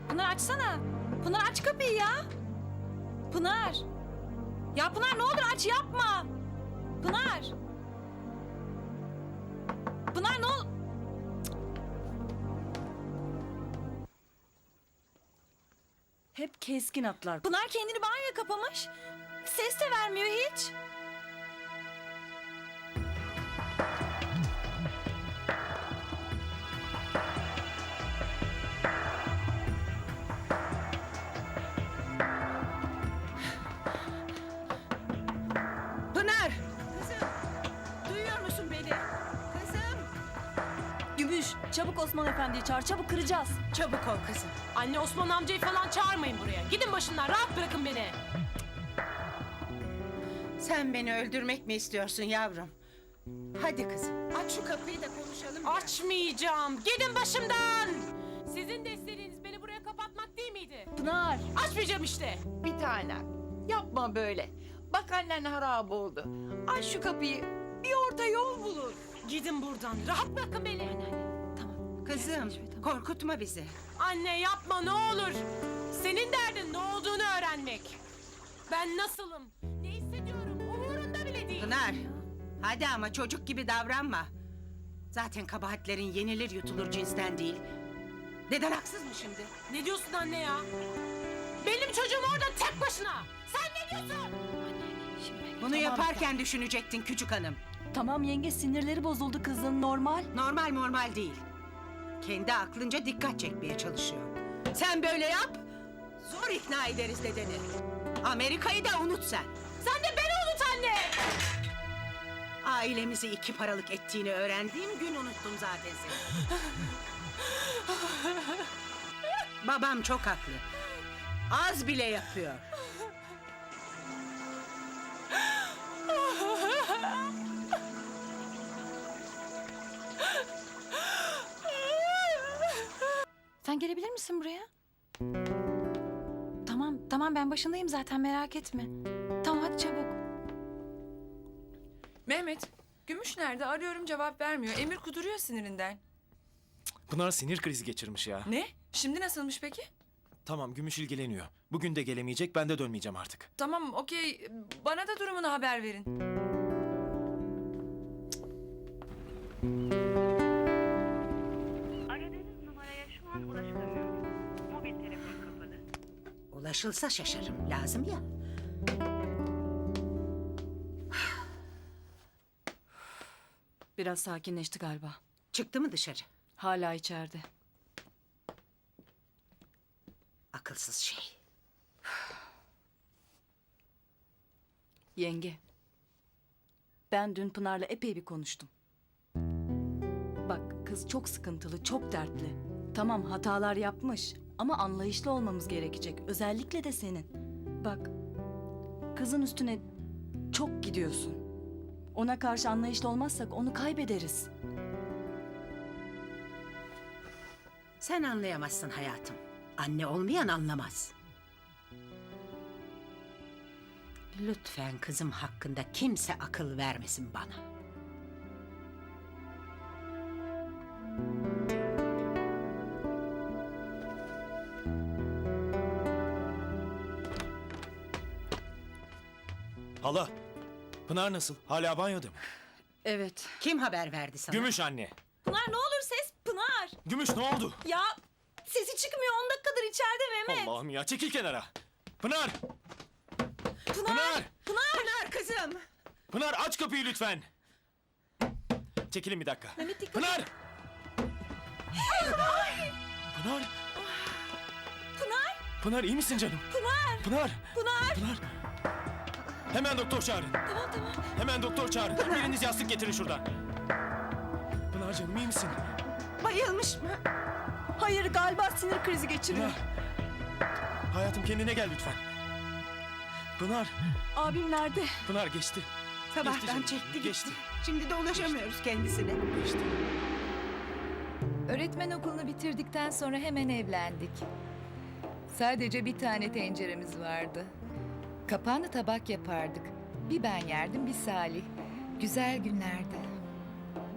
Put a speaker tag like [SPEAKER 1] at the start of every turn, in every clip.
[SPEAKER 1] Pınar açsana. Pınar aç kapıyı ya. Pınar. Ya Pınar ne olur aç yapma. Pınar. Pınar ne ol...
[SPEAKER 2] Hep keskin atlar.
[SPEAKER 1] Pınar kendini banyoya kapamış. Ses de vermiyor hiç.
[SPEAKER 3] Pınar! Kızım! Duyuyor musun beni? Kızım!
[SPEAKER 2] Gümüş, çabuk Osman Efendi'yi çağır, çabuk kıracağız.
[SPEAKER 3] Çabuk ol kızım.
[SPEAKER 4] Anne Osman amcayı falan çağırmayın buraya. Gidin başından rahat bırakın beni.
[SPEAKER 3] Sen beni öldürmek mi istiyorsun yavrum? Hadi kızım aç şu kapıyı da konuşalım. biraz.
[SPEAKER 4] Açmayacağım. Gidin başımdan. Sizin de istediğiniz beni buraya kapatmak değil miydi?
[SPEAKER 2] Pınar!
[SPEAKER 4] Açmayacağım işte.
[SPEAKER 5] Bir tanem, yapma böyle. Bak annen harap oldu. Aç şu kapıyı, bir orta yol bulur.
[SPEAKER 4] Gidin buradan. Rahat bırakın beni.
[SPEAKER 1] Tamam.
[SPEAKER 3] Kızım korkutma bizi.
[SPEAKER 4] Anne yapma ne olur. Senin derdin ne olduğunu öğrenmek. Ben nasılım? Ne hissediyorum? Umurunda bile değil.
[SPEAKER 3] Pınar hadi ama çocuk gibi davranma. Zaten kabahatlerin yenilir yutulur cinsten değil. Deden haksız mı şimdi?
[SPEAKER 4] Ne diyorsun anne ya? Benim çocuğum orada tek başına. Sen ne diyorsun?
[SPEAKER 3] Bunu yaparken düşünecektin küçük hanım.
[SPEAKER 2] Tamam yenge, sinirleri bozuldu kızın, normal.
[SPEAKER 3] Normal değil. Kendi aklınca dikkat çekmeye çalışıyor. Sen böyle yap, zor ikna ederiz dedeni. Amerika'yı da unut sen.
[SPEAKER 4] Sen de beni unut anne.
[SPEAKER 3] Ailemizi iki paralık ettiğini öğrendiğim gün unuttum zaten seni. Babam çok haklı. Az bile yapıyor.
[SPEAKER 1] Sen gelebilir misin buraya? Tamam ben başındayım zaten merak etme. Tamam hadi çabuk.
[SPEAKER 6] Mehmet, Gümüş nerede? Arıyorum cevap vermiyor. Emir kuduruyor sinirinden.
[SPEAKER 7] Pınar sinir krizi geçirmiş ya.
[SPEAKER 6] Ne? Şimdi nasılmış peki?
[SPEAKER 7] Tamam Gümüş ilgileniyor. Bugün de gelemeyecek, ben de dönmeyeceğim artık.
[SPEAKER 6] Tamam, okey. Bana da durumunu haber verin.
[SPEAKER 8] Aradığınız numaraya şu an ulaşılamıyor. Mobil telefon kapalı.
[SPEAKER 3] Ulaşılsa şaşarım, lazım ya.
[SPEAKER 2] Biraz sakinleşti galiba.
[SPEAKER 3] Çıktı mı dışarı?
[SPEAKER 2] Hala içeride.
[SPEAKER 3] Akılsız şey.
[SPEAKER 2] Yenge, ben dün Pınar'la epey bir konuştum. Bak kız çok sıkıntılı, çok dertli. Tamam hatalar yapmış ama anlayışlı olmamız gerekecek. Özellikle de senin. Bak, kızın üstüne çok gidiyorsun. Ona karşı anlayışlı olmazsak onu kaybederiz.
[SPEAKER 3] Sen anlayamazsın hayatım. Anne olmayan anlamaz. Lütfen kızım hakkında kimse akıl vermesin bana.
[SPEAKER 7] Hala, Pınar nasıl? Hala banyoda mı?
[SPEAKER 2] Evet.
[SPEAKER 3] Kim haber verdi sana?
[SPEAKER 7] Gümüş anne.
[SPEAKER 1] Pınar ne olur ses Pınar.
[SPEAKER 7] Gümüş ne oldu?
[SPEAKER 1] Ya sesi çıkmıyor 10 dakikadır içeride Mehmet.
[SPEAKER 7] Allah'ım ya, çekil kenara. Pınar!
[SPEAKER 1] Pınar.
[SPEAKER 7] Pınar!
[SPEAKER 3] Pınar kızım.
[SPEAKER 7] Pınar aç kapıyı lütfen. Çekilin bir dakika.
[SPEAKER 1] Mehmet dikkat
[SPEAKER 7] Pınar! Pınar!
[SPEAKER 1] Pınar.
[SPEAKER 7] Pınar iyi misin canım?
[SPEAKER 1] Pınar.
[SPEAKER 7] Pınar!
[SPEAKER 1] Pınar.
[SPEAKER 7] Pınar! Hemen doktor çağırın.
[SPEAKER 1] Tamam.
[SPEAKER 7] Hemen doktor çağırın. Biriniz yastık getirin şuradan. Pınar canım iyi misin?
[SPEAKER 3] Bayılmış mı?
[SPEAKER 2] Hayır galiba sinir krizi geçiriyor.
[SPEAKER 7] Pınar! Hayatım kendine gel lütfen. Pınar!
[SPEAKER 2] Abim nerede?
[SPEAKER 7] Pınar geçti.
[SPEAKER 3] Sabahtan
[SPEAKER 7] canım,
[SPEAKER 3] çekti
[SPEAKER 7] geçti.
[SPEAKER 3] gitti. Şimdi de ulaşamıyoruz kendisine.
[SPEAKER 7] Geçti.
[SPEAKER 9] Öğretmen okulunu bitirdikten sonra hemen evlendik. Sadece bir tane tenceremiz vardı. Kapağını tabak yapardık. Bir ben yerdim, bir Salih. Güzel günlerdi.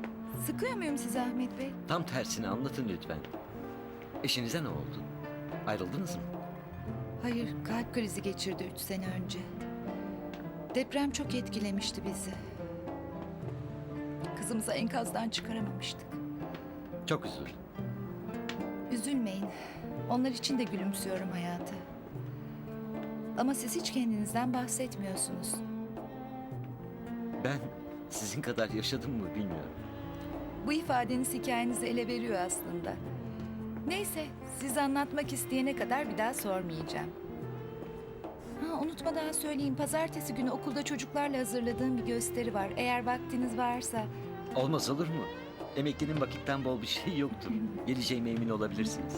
[SPEAKER 9] Sıkıyor muyum sizi Ahmet Bey?
[SPEAKER 10] Tam tersini anlatın lütfen. Eşinize ne oldu? Ayrıldınız mı?
[SPEAKER 9] Hayır, kalp krizi geçirdi 3 sene önce. Deprem çok etkilemişti bizi. Kızımızı enkazdan çıkaramamıştık.
[SPEAKER 10] Çok üzüldüm.
[SPEAKER 9] Üzülmeyin. Onlar için de gülümsüyorum hayata. Ama siz hiç kendinizden bahsetmiyorsunuz.
[SPEAKER 10] Ben sizin kadar yaşadım mı bilmiyorum.
[SPEAKER 9] Bu ifadeniz hikayenizi ele veriyor aslında. Neyse, siz anlatmak isteyene kadar bir daha sormayacağım. Ha, unutmadan söyleyeyim, pazartesi günü okulda çocuklarla hazırladığım bir gösteri var. Eğer vaktiniz varsa...
[SPEAKER 10] Olmaz olur mu? Emeklinin vakitten bol bir şey yoktur. Geleceğime emin olabilirsiniz.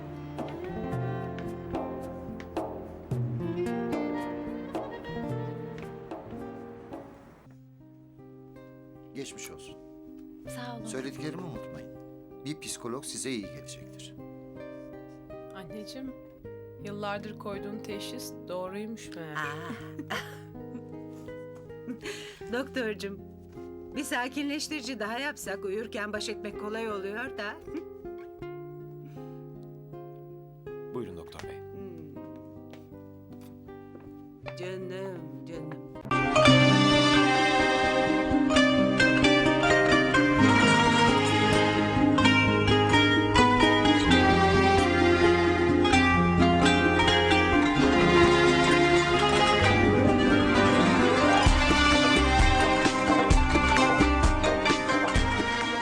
[SPEAKER 11] Geçmiş olsun.
[SPEAKER 9] Sağ olun.
[SPEAKER 11] Söylediklerimi unutmayın. Bir psikolog size iyi gelecektir.
[SPEAKER 4] Anneciğim, yıllardır koyduğun teşhis doğruymuş meğer.
[SPEAKER 3] Doktorcum, bir sakinleştirici daha yapsak uyurken baş etmek kolay oluyor da.
[SPEAKER 7] Buyurun doktor bey.
[SPEAKER 3] Canım, canım.